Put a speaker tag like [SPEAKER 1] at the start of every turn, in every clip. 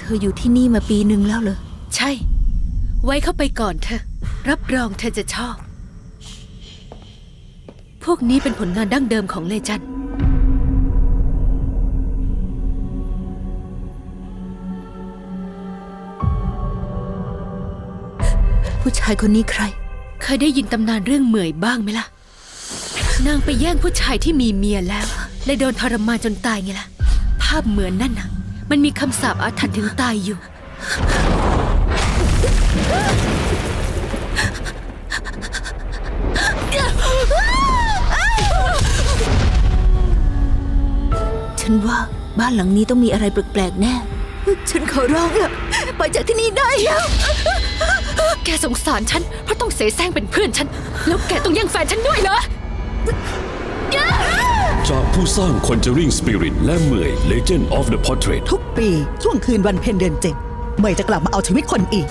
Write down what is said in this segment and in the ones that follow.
[SPEAKER 1] เธออยู่ที่นี่มาปีหนึ่งแล้วเหรอ
[SPEAKER 2] ใช่ ไว้เข้าไปก่อนเธอ รับรองเธอจะชอบ พวกนี้เป็นผลงานดั้งเดิมของเลจัน
[SPEAKER 1] ผู้ชายคนนี้ใคร
[SPEAKER 2] เคยได้ยินตำนานเรื่องเหมยบ้างไหมล่ะ นางไปแย่งผู้ชายที่มีเมียแล้วเลยโดนทรมานจนตายไงล่ะ ภาพเหมือนนั่นน่ะ มันมีคำสาปอาถรรพ์ถึงตายอยู่
[SPEAKER 1] ฉันว่าบ้านหลังนี้ต้องมีอะไรแปลกๆแน่ ฉันขอร้องละไปจากที่นี่ได้แล้ว
[SPEAKER 2] แกสงสารฉันเพราะต้องเสแสร้งเป็นเพื่อนฉัน แล้วแกต้องแย่งแฟนฉันด้วยเหรอ
[SPEAKER 3] จากผู้สร้าง Conjuring Spirit และเหมย Legend of the Portrait
[SPEAKER 4] ทุกปีช่วงคืนวันเพ็ญเดือน7เหมยจะกลับมาเอาชีวิตคนอีก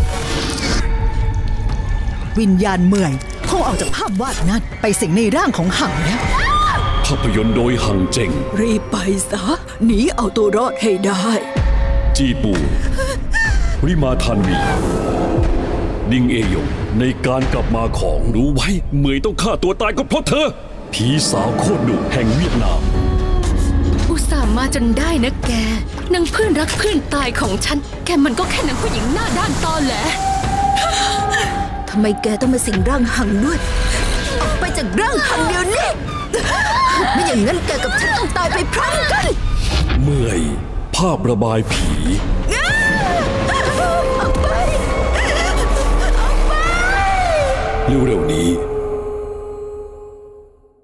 [SPEAKER 4] วิญญาณเหมยคงออกจากภาพวาดนั้นไปสิงในร่างของหังแล้ว
[SPEAKER 3] ภาพยนตร์โดยหังเจง
[SPEAKER 1] รีบไปซะ หนีเอาตัวรอดให้ได้
[SPEAKER 3] จีปู ริมาทันวี ดิงเอยงในการกลับมาของรู้ไว้เหมยต้องฆ่าตัวตายก็เพราะเธอ ผีสาวโคตรดุแห่งเวียดนาม
[SPEAKER 2] อุตส่าห์มาจนได้นะแกนางเพื่อนรักเพื่อนตายของฉัน แกมันก็แค่นางผู้หญิงหน้าด้านตอแหล
[SPEAKER 1] ทำไมแกต้องมาสิงร่างหังด้วย ออกไปจากร่างหังเดี๋ยวนี้ ไม่อย่างนั้นแกกับฉันต้องตายไปพร้อมกัน
[SPEAKER 3] เมื่อย ภาพระบายผี